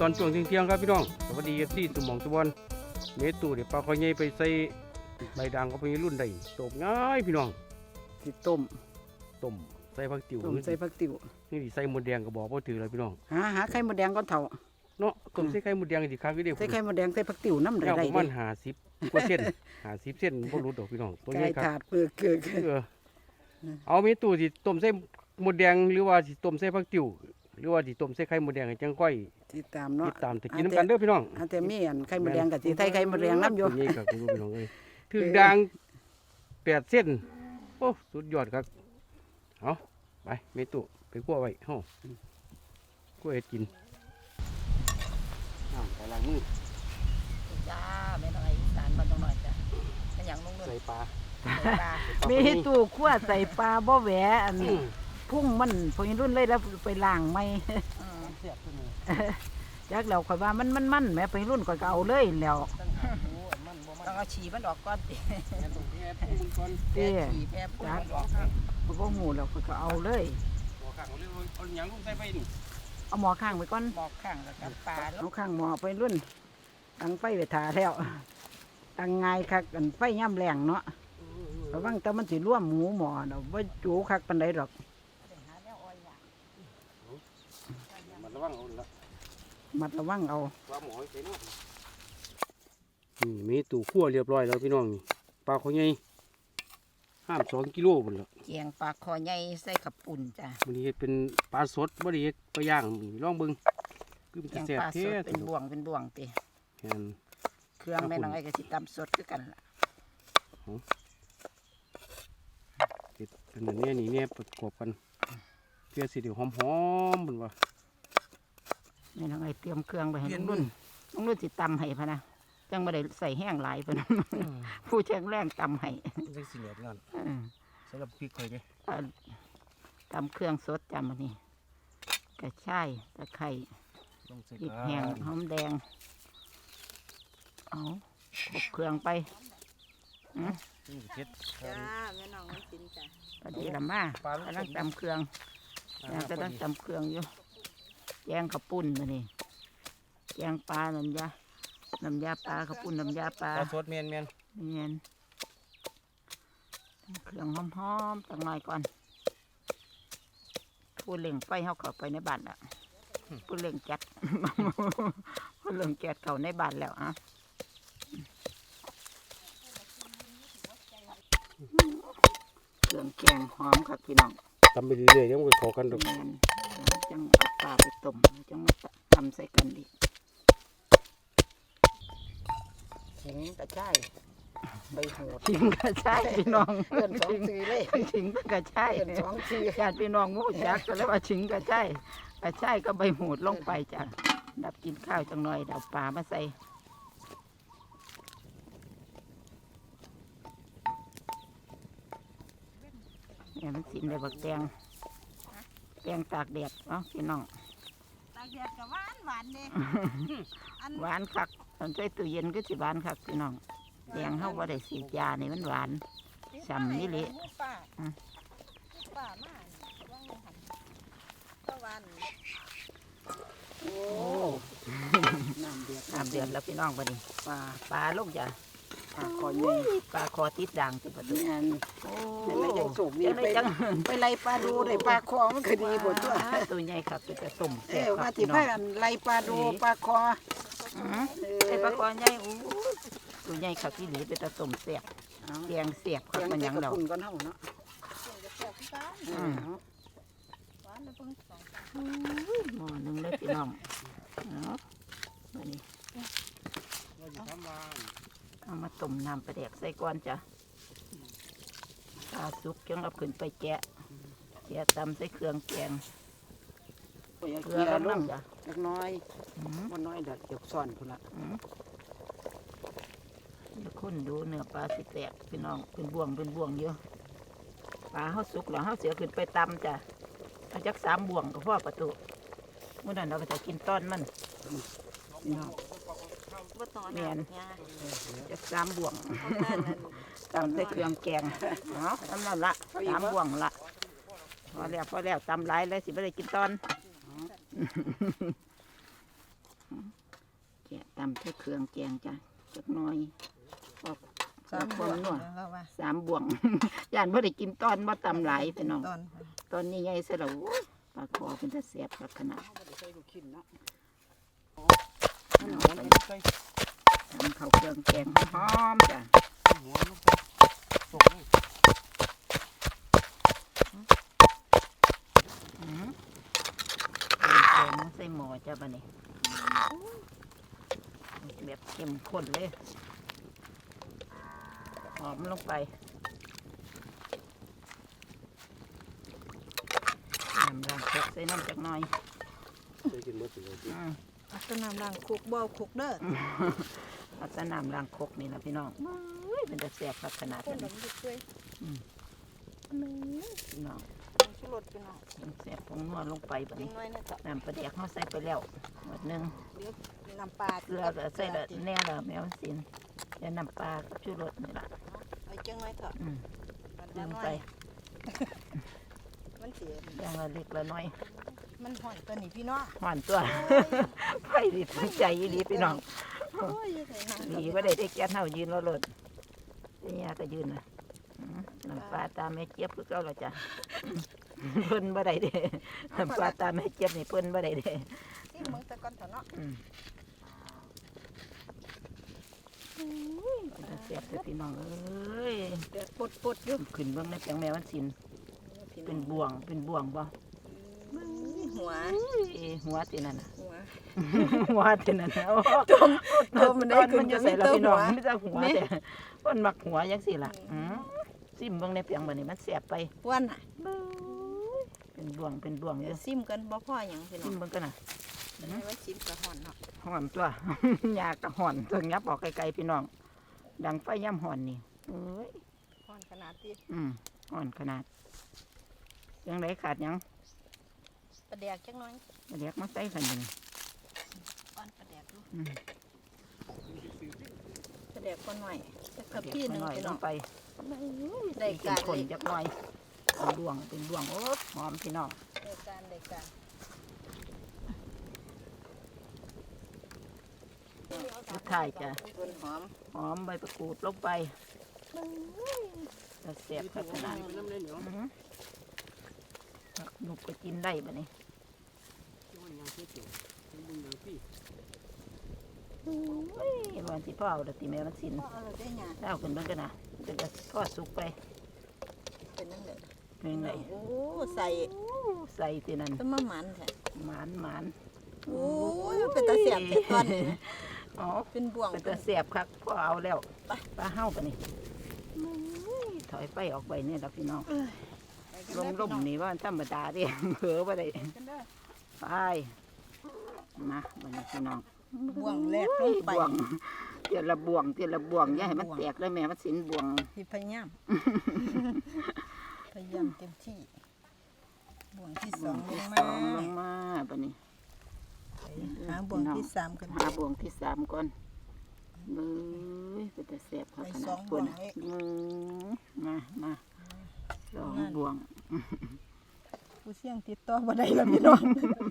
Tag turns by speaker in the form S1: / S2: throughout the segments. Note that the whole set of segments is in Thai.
S1: ตอนช่วงเที่ยงครับพี่น้องสวัสดีที่สมองสวรรค์เมตูเดี๋ยวปลาคอยใหญ่ไปใส่ใบด่างก็ไปรุ่นได้ตบง่ายพี่น้อง
S2: สิต้ม
S1: ใส่ผักติ๋ว
S2: ใส่ผักติ๋ว
S1: นี่ใส่หมดแดงก็บอกว่าถือเลยพี่น้อง
S2: หาไข่มดแดงก่อนเถ่า
S1: เนาะต้มใส่ไข่หมดแดงดีครับพี่เด็ก
S2: ใส่ไข่มดแดงใส่ผักติ๋วน้ำได้
S1: ประมาณ50 กว่าเส้น50 เส้นบ่รู้ดอกพี่น้องตัวใหญ่ครับ
S2: ถาดเปลือกเกลือ
S1: เอาเมตูสิต้มใส่หมดแดงหรือว่าสิต้มใส่ผักติ๋วหรือว่าสิต้มใส่ไข่หมดแดงให้จังค่อย
S2: ติดตามเนาะ
S1: ติดตามจะกินน้ำกันเด้อพี่น้อง
S2: แต่มีอันไข่มดแดงกับสิใส่ไข่มดแดงน้ำอยู่
S1: นี่ครับพี่น้องเอ้ยถึงด่าง8 เส้นโอ้สุดยอดครับเอาไปเมตุไปคั่วไว้เฮาคั่วเฮ็ดกินไปล้างมือ
S3: จ้าไม่ต้องไอ้สารมันต้องหน่อยจ้ะไม่อย่างนุ่งเลย
S1: ใส่ปลา
S2: มีตู้คั่วใส่ปลาบ่แหวอันพุ่งมันพอรุ่นเลยแล้วไปล้างไม่จักแล้วข่อยว่ามันแม่ไปรุ่นข่อยก็เอาเลยแล้ว
S3: ต้องเอาฉี่มันออกก่อนติ
S2: เตี้ย
S3: ฉี่แพ้พุ่งมันออก
S2: มันก็หูแล้วข่อยก็เอาเลย
S1: เอาหยังลงใส่ไปนี่
S2: เอาหม้อข้างไปก่อน
S3: หมอกข้างแล้วกับปลา
S2: เอาข้างหม้อไปรุ่นตั้งไฟไปถ่าแล้วตั้งง่ายคักกันไฟย่ำแรงเนาะระวังแต่มันสิร่วมหมูหม้อเนาะบ่จูคักปานใดหรอก
S1: มันระวังเอาละ
S2: มัดระวังเอา
S1: ว่าหมอใส่เนาะนี่มีตู้คั่วเรียบร้อยแล้วพี่น้องนี่ปลาเขาใหญ่2 กิโลพุ่นละ
S3: เกียงปลาคอใหญ่ใส่ขับปุ่นจ้ะ
S1: มื้อนี้เป็นปลาสดบ่ได้เฮ็ดปลาย่างลองเบิ่งคือมัน
S3: เกียง
S1: แซ่บ
S3: ปลาส
S1: แท้
S3: ดเป็นบ่วงติ
S1: แม่น
S3: เครื่องแม่น้องไอ้ก็สิตำสดคือกันล่ะ
S1: เฮ็ดเป็นอันนี้นี่เนี่ยประกอบกันเพื่อสิเดี๋ยวหอมๆเพิ่นว่า
S2: แม่น้องไอ้เตรียมเครื่องไปให้ลุงนุ่นสิตำให้พะนะจังบ่ได้ใส่แห้งหลายเพิ่นผู้แข็งแรงตำให้
S1: จังสิเหลือนั่นใส่กับพริกค่อยเด้
S2: ตำเครื่องสดจำอันนี้กระชายตะไคร้พริกแห้งหอมแดงเอาครบเครื่องไป
S3: จ้าแม่น้องมันกินจ้ะ
S2: พอดีละมากำลังตำเครื่องกำลังตำเครื่องอยู่แกงข้าวปุ้นมานี่แกงปลาน้ำยาปลาข้าวปุ้นน้ำยาปลา
S1: สดเมียน
S2: เครื่องหอมๆตั้งหน่อยก่อนพูดเล่งไฟเข้าไปในบ้านละพูดเล่งแก๊สพูดเล่งแก๊สเข้าในบ้านแล้วอ่ะเครื่องแกงหอมครับพี่น้อง
S1: ทำไปเรื่อยๆยังไม่เข้ากันดอก
S2: จังเอาปลาไปต้มจังมาทำใส่กันดิขิงกระชายใบโหดขิงกระชายพี่น้อง
S3: เกิน2 ปีเลย
S2: ขิงกระชาย
S3: เกิน2 ปี
S2: ญาติพี่น้องงูจักก็เลยว่าขิงกระชายก็ใบโหดลงไปจ้ะดับกินข้าวจังหน่อยดับปลามาใส่เนี่ยมันสินเลยบักแตงตากแดดเนาะพี่น้อง
S3: ตากแดดก็หวานเด้
S2: หวานคักตอนใส่ตู้เย็นก็สิหวานคักพี่น้องแดงเข้าว่าได้สีดยานี่มันหวานฉ่ำนี่เลย
S3: ป้ามาว่างหันตะวัน
S2: โอ้น้ำเดือดแล้วพี่น้องบัดนี้ปลาลูกจ้ะปลาคอใหญ่ปลาคอติดด่างติดประตูนั่นโอ้ยยังสูบนี่ไปไล่ปลาดูได้ปลาคอมันคือดีหมดตัวใหญ่ครับเป็นกระตุ่มแซ่บครับพี่น้องไล่ปลาดูปลาคอไอ้ปลาคอใหญ่ตัวใหญ่ครับที่หลีเป็นกระตุ่มแซ่บแกงแซ่บครับมันยังเราก้อนเท่าเนาะหม้อนึงเลยพี่น้องเนาะมานี่เอามาต้มน้ำปลาแดกใส่ก้อนจ้ะปลาสุกจังเอาขึ้นไปแกะตำใส่เครื่องแกงเกลือแล้วน้ำจ้ะเล็กน้อยมันน้อยเด็ดเก็บซ่อนคนละคนดูเนื้อปลาสิแตกพี่น้องเป็นบ่วงเยอะปลาเขาสุกแล้วเขาเสียขึ้นไปตำจ้ะเอาจัก3 บ่วงก็พอประตูเมื่อนั้นเราก็จะกินต้นมันเมียนจะ3 บ่วงตำใส่เครื่องแกงเนาะทำนั่นละ3 บ่วงละพอแล้วตำหลายเลยสิไม่ได้กินตอนตำแค่เครื่องแกงจ้ะจักหน้อยพอ
S3: สาม
S2: ค
S3: บว
S2: น
S3: ก
S2: นัว
S3: แล้วว่า
S2: 3 บ่วง ย่านบ่ได้กินตอนบ่ตำหลายพี่น้อง
S3: ตอน
S2: ตอนนี้ใหญ่ซะแล้วโอ้ยปลาคอเป็นตาแซ่บคักขนาด
S1: ใส่ลูกชิ้นเนาะ
S2: เอาไปทำข้าวเครื่องแกงหอมๆจ้ะ
S1: หัวลงไปส่ง
S2: แกงใส่หม้อจ้ะบัดนี้แบบเข้มข้นเลยหอมลงไปน้ำล้างครกใส่น้ำจักหน่อย
S1: ใส่กินหมดเลย
S3: เอาแต้นน้ำล้างคุกบ่เอาคุกเด้อ
S2: เอาแต่น้ำล้างครกนี่นะพี่น้องเอ้ยเป็นจะแซ่บขนาด
S3: คน
S2: นั้น
S3: ดำดิบด้วย
S2: พี่น้อง
S3: ชูรสพี่น้อง
S2: มันแซ่บผงนัวลงไปบัด
S3: นิ
S2: นี้
S3: ดหน่อยเนี่ยจ้ะ
S2: น้ำปลาแดกเขาใส่ไปแล้วหมดหนึง
S3: เดี๋ยวน้ำปลา
S2: เกลือก็ใส่ละแน่ละแมวสินแล้วน้ำปลากับชูรสนี่ล่ะ
S3: เอาจังหน่อยเถอะ
S2: อืม
S3: มัน
S2: ลื
S3: จะ
S2: ม
S3: น้อ
S2: ไป
S3: ยมันเสีย
S2: อย่างละเล็กละน้อย
S3: มันห่อนตัวนี้พี่น้อง
S2: หวานตัว ไฟดิถึงใจอีหลีพี่น้อง
S3: โอ้ยใส่น้ำ
S2: หลีว่าได้แก๊สเฮายืนรอรถเนี่ยก็ยืนนะน้ำปลาตาแม่เจี๊ยบคือเก่าและจ้ะเพิ่นบ่ได้เด้น้ำปลาตาแม่เจี๊ยบนี่เพิ่นบ่ได้เด้
S3: ที่มึงตะกอนเถอะเนาะ
S2: มันเสียบเด้อพี่น้องเอ้ย
S3: เดือดปดอยู่
S2: ขึ้นเบิ่งในแปลงแม่วันศิลป์เป็นบ่วงบ่
S3: หัว
S2: เอ้หัวตินั่นน่ะ
S3: หัว
S2: หัวตินั่นน่ะโอ้
S3: ตัวมันได้ขึ้น
S2: มันจะ
S3: จะ
S2: ใส่
S3: ใส่
S2: แล้ว
S3: ตัว
S2: พี่น้
S3: หั
S2: อง
S3: ว
S2: ไม่จะหัวแต่มันมักหัวจังซี่ล่ะซิมเบิ่งในแปลงบัดนี้มันแซ่บไป
S3: วันน่ะ
S2: เป็นบ่วงอ
S3: เดี๋ย
S2: ยู่
S3: วซิมกันบ่พ่อหยังพี่น้
S2: ซิ
S3: อง
S2: มเบิ่งกันน่ะ
S3: ให้ว่าซิมกระห่อนเนาะ
S2: หอนตัว ยากกะหอนตัวงับออกไกลๆพี่น้อง ดังไฟย่ำหอนนี่เอ้ย
S3: ห่อนขนาดที่
S2: หอนขนาด ยังไดขาดหยัง
S3: ประแดกจังน้อย
S2: เรียกมาใส่กันอยู่นี่
S3: อ่อนประแดกดู
S2: อืม
S3: ประแดกก่อนหน่อยสัก
S2: เรี
S3: พี่
S2: ยก
S3: หนึง
S2: หน่อย
S3: พี่
S2: ล
S3: น้อง
S2: งไป
S3: ได้
S2: กิ
S3: การ
S2: นคน
S3: เลย
S2: จักหน่อยเป็นดวงโอ้หอมพี่น้อง
S3: ได้การ
S2: สุดท้ายจะ
S3: ต้นหอม
S2: หอมใบประกูดลงไปจะเสียบขนาด
S1: ไปน้ำเลยเหนียว
S2: หนุกก็กินได้บะนี่
S1: ยังเที่ยวยังยังพี่
S2: วันที่พ่อเอาดตีแม่มันสิน
S3: พ่อเอาเลยได้หยัง
S2: เอาขึ้นเบิ่งกันนะจะทอดสุกไป
S3: เป็นนั่นเลย
S2: เป็นไง
S3: โอ้ใส่
S2: ใส่ที่นั่น
S3: ต้นมะมันแท้
S2: หมาน
S3: โอ้ยเป็นตาเสียบเป็นก้อน
S2: อ๋อ
S3: เป็นบ่วง
S2: เป็นตะเสียบครับพ่อเอาแล้วปลาเห่าปะนี่ถอยไปออกไปเนี่ยครับพี่น้องลมนี่ว่าธรรมดาเดิเผลอไปได้ไปมาวันนี้พี่น้อง
S3: บ่วงแรกลงไป
S2: บ่วงเตียละบ่วงอย่าให้มันแตกเลยแม่มันสินบ่วง
S3: ที่พยายามพยายามเต็มที่บ่วงที่สองลงมา
S2: ลงมาปะนี่
S3: หาบ่วงที่สามกัน
S2: หาบ่วงที่สามก่อนเบ้ยเป็นตะเสียบครับขนาดคนมาสองบ่วง
S3: ผู้เสี่ยงติดต่อบ่ได้แล้วพี่น้อง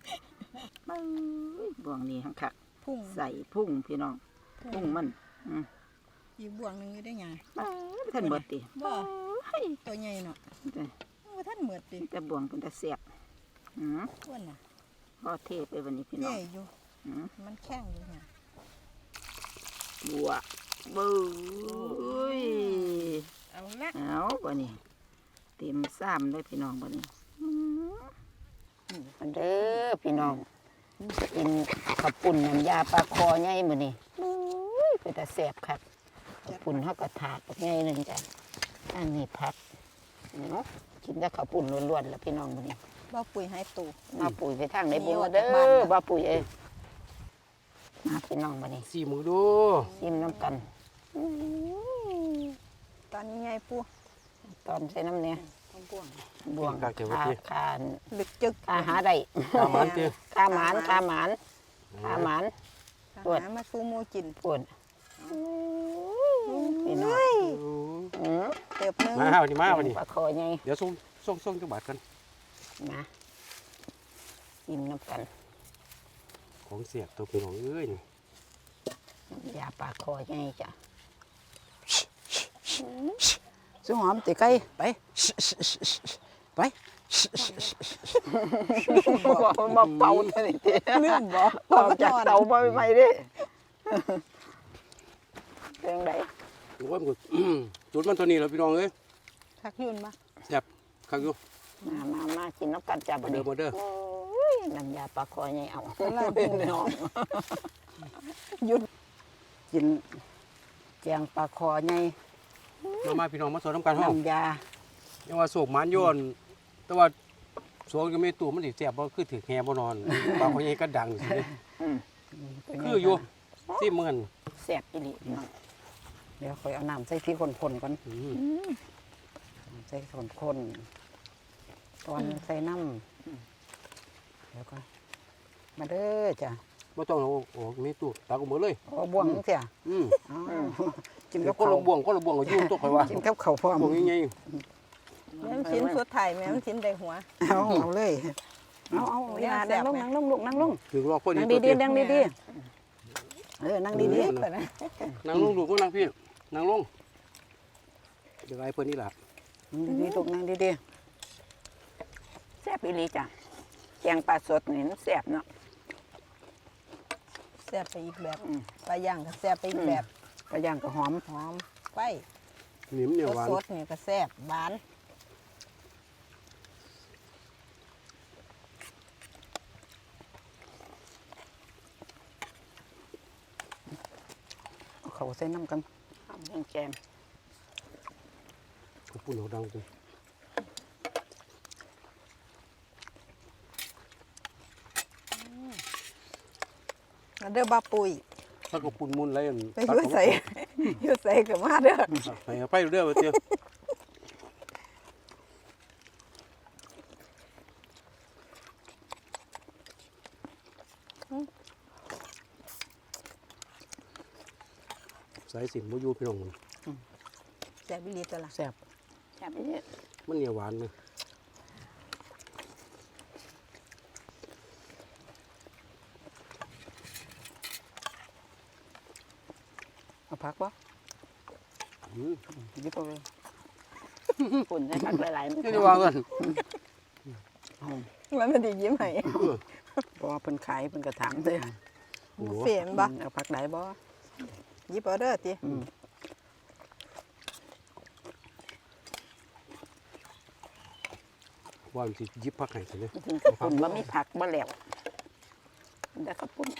S2: บ่วงนี้หังคัก
S3: พุ่ง
S2: ใส่พุ่งพี่น้องพุ่งมัน
S3: อีกบ่วงหนึงอยู่ได้หยัง
S2: ท่านเบิดติ
S3: บ่ตัวใหญ่เนาะว่าท่านเหมือดติ
S2: แต่บ่วงเป็นตะเสียบ
S3: อ้วนน่ะ
S2: พอเทไปวันนี้พี่น้อ
S3: แย่
S2: ง
S3: อยู่มันแข็งอยู่เนี่ย
S2: บัวบุ้ย
S3: เอาละ
S2: เอาวันนี้เต็มซ้ำเลยพี่น้องวันนี้เด้อพี่น้องกินข้าวปุ่นน้ำยาปลาคอใหญ่มื้อนี้เป็นตะเสียบครับข้าวปุ่นเฮาก็ถาดใหญ่หนึงจ้ะอันนี้ผักเนาะกินแต่ข้าวปุ่นล้วนๆแล้วพี่น้องมื้อนี้
S3: บ่ปุ๋ยให้ตู
S2: มาปุ๋ยไปทางไหนบุญมาเด้อบ่ปุ๋ยมาพี่น้องมื้อนี้
S1: สี่มือดู
S2: ชิมน้ำกัน
S3: ตอนนี้ใหญ่ปู
S2: ตอนใส่น้ำเนี่ย
S3: บ่วง
S2: บ่วงคา
S3: ลึกจึก
S2: หาได้
S1: ตามมันเตี้ย
S2: คาหมานตรวจ
S3: หามาสู้หมูกิน
S2: ปวดพี่น้อง
S3: เติบนึง
S1: มาวันนี้มาวันนี้
S2: ปลาคอไง
S1: เดี๋ยวส่งจังหวัดกัน
S2: นะชิมน้ำกัน
S1: ของเสียบตัวพี่น้องเอ้ยนี่
S2: ยาปลาคอใหญ่จ้ะสุหอมติไก่ไปไปบอกมันมาเป่าเท่านี้เด้
S3: ลืมบ่
S2: ออกจากเตามาใหม่ๆเด้เรื่องใด
S1: โอ้ยมันก็จุดมันตัวนี้แล้วพี่น้องเอ้ย
S3: ทักยุ่นมา
S1: แซ่บคักอยู่
S2: มากินน้ำกันจ้ะบั
S1: มา
S2: ด
S1: เด้
S2: นี้
S1: อมาเด้อ
S2: น้ำยาปลาคอใหญ่เอา
S3: ลาเป็นน้องยุ่น
S2: กินแกงปลาคอใหญ่
S1: มาพี่น้องมาสอนน้ำกันห้อง
S2: น้ำยา
S1: ยังว่าโศกหมันโยนแต่ว่าสวงก็ไม่ตู่มันสิแซ่บบ่คือถือแฮบ่นอนบางคนยังก็ดังสิเด้คืออยู่สิเหมือน
S2: แซ่บอีหลีพี่น้องเดี๋ยวค่อยเอาน้ำใส่ที่คนๆก่อน ใส่คนๆตอนใส่น้ำแล้วก็มาเด้อจ้ะ
S1: บ่ต้องเอาออกไม่ตู่ตักออกหมดเลย
S2: เอาบ่วงเสีย
S1: อืม
S2: อ๋อกิน
S1: แล้
S2: กั
S1: ว
S2: บ
S1: ก็
S2: ข้าว
S1: ละบ่วงก็ละบ่วงก็อยู่ตัวข่อยว่า
S2: กินกับข้าวพร้อม
S1: บ่วงใหญ่
S3: แม่นชิ้นสุดท้ายแม่นชิ้นได้หัว
S2: เอาเลยเอาอย่านั่งลงนั่งลงลูกนั่งลง
S1: ๆถึงรอพอดี
S2: นั่ง
S1: ตัว
S2: ดี
S1: เดียว
S2: ๆนั่งดีๆนั่งดี
S3: แต่นะ
S1: นั่งลงลูกก็นั่งพี่นั่งลงเดี๋ยวไอ้เพิ่นนี่ล่ะ
S2: ๆดีๆลูกนั่งดีๆแซ่บอีหลีจ้ะแกงปลาสดนี่มันแซ่บเนาะ
S3: แซ่บไปอีกแบบปลาย่างก็แซ่บไปอีกแบบ
S2: ปลาย่างก็หอม
S3: หอมไฟ
S1: นิ่มเนี่ยหวาน
S3: สดๆนี่ก็แซ่บหวาน
S2: เอาเขาใส่น้ำกันทำให้แกง
S1: ขอบคุณเอาดังจัง
S3: เด้อบ้าปุย
S1: ถ้าก็ปุ่นมุนอะไรอัน
S3: ไปอยู่ใส่อยู่ใส่ก็มาเด้อ
S1: ให้ไปเด้อว่าเตี้ยสายสินบ่อยู่พี่น้อง
S3: แซ่บอีหลีตัวละ
S2: แซ่บแซ่บอีหลี
S1: มันเนี่ยหวานเลย
S2: เอาผักบ่
S1: อืม
S2: หยิบเอาเลยปุ่นใส่ผักหลายๆ
S1: นี่จะวางกัน
S3: มันไม่ได้ยิ้มให้
S2: บ่เพิ่นขายเพิ่นก็ถามเด้อ
S3: บุฟเฟ่ต์บ่
S2: เอาผักหลายบ่
S3: หยิบเอาเด้อติ
S1: ว่ามันสิหยิบผักให้ซะเลย
S2: ถึงกระปุ่นบ่มีผักบ่แล้วได้กระปุ่น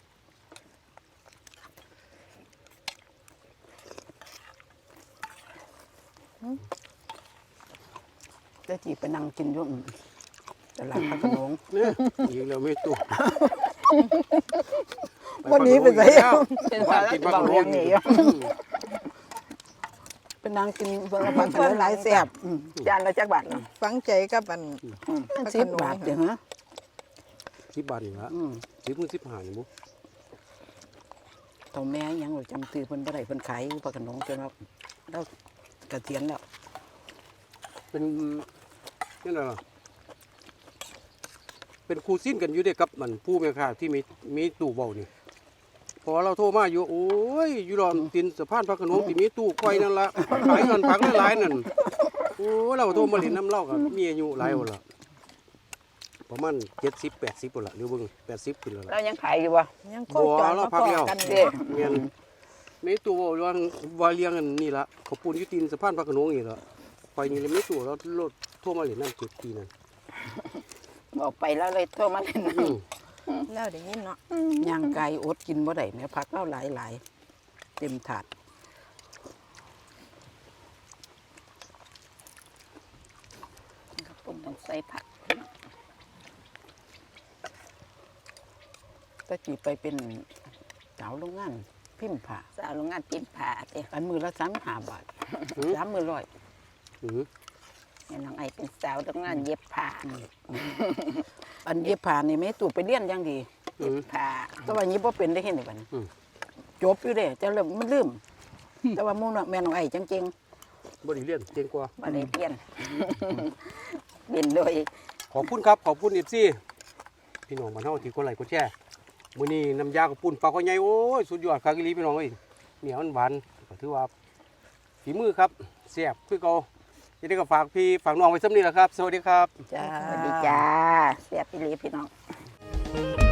S2: ได้จีไปนั่งกินอยู่ตลาดพระโขนง
S1: เนี่ยอีกแล้วไม่ตู่
S3: วันนี้ไปใส่
S1: บ้านกินผักโรย
S2: ไปนั่งกินเบิ่งผักหลายๆแซ่บจานละจักบาทเนาะ
S3: ฝังใจกับอัน
S2: 10 บาทเด้อฮะ
S1: 10 บาทนี่ละ10 มื้อ15นี่บ่
S2: เฒ่าแม่ยังบ่จำชื่อเพิ่นบ่ได้เพิ่นขายอยู่พระโขนงจนว่าเราเกษียณแล้ว
S1: เป็นนี่น่ะล่ะเป็นคู่สิ้นกันอยู่เด้กับมันผู้แม่ค้าที่มีตู้เว้านี่พอเราโทรมาอยู่โอ้ยอยู่ดอนตินสะพานพระโขนงที่มีตู้ก้อยนั่นล่ะขายกันผักหลายๆนั่นโอ้เราโทรมาเล่นน้ำเล่าก็มีอายุหลายพุ่นล่ะประมาณ70 80พุ่นล่ะหรือเบิ่ง80ขึ้นแล้วล่ะ
S2: เรายังขายอยู่บ่
S3: ยังโคจรมาพอกัน
S2: เด้
S3: นี่
S1: แม่นมีตู้เว้าว่าเลี้ยงอันนี่ล่ะเขาปูนอยู่ตีนสะพานพระโขนงนี่ล่ะไปนี่เลยมีตู้แล้วรถโทรมาเล่นน้ำ7ปีนั่น
S2: บอกไปแล้วเลยโทรมาเล่นน้
S3: แล้วได้ยินเนาะ
S2: ำย่างไก่อดกินบ่ได้แม่ผักเราหลายๆเต็มถาดกับปุ่นต้องใส่ผักตะกี้ไปเป็นสาวโรงงานพิมพ์ผ้าสาวโรงงานพิมพ์ผ้าเด้อันมือละ35 บาท3 มือร้อย
S1: อือ
S2: แม่น้องไอเป็นสาวโรงงานเย็บผ้าอันเย็บผ้านี่แม่ตู่ไปเรียนอย่างดีเย็บผ้าแต่ว่านี้บ่เป็นได้เห็นได้บัดนี้จบอยู่เด้แต่เริ่มมันลืมแต่ว่าหมู่น้องแม่น้องไอจัง
S1: บ่ได้เรียนเก่งกว่า
S2: ๆบ่ได้เรียนเรียนโดย
S1: ขอบคุณครับ ขอบคุณ FC พี่น้องบ้านเฮาที่กดไลค์กดแชร์มื้อนี้น้ำยากับปุ่นปลาข้อใหญ่โอ้ยสุดยอดคักอีหลีพี่น้องเอ้ยเหนียวหวานก็ถือว่าฝีมือครับแซ่บคือเก่าจะได้ก็ฝากพี่ฝากน้องไว้ซ้ำนี้แหละครับสวัสดีครับ
S2: จ้าสวัสดีจ้าเสียบอีหลีพี่น้อง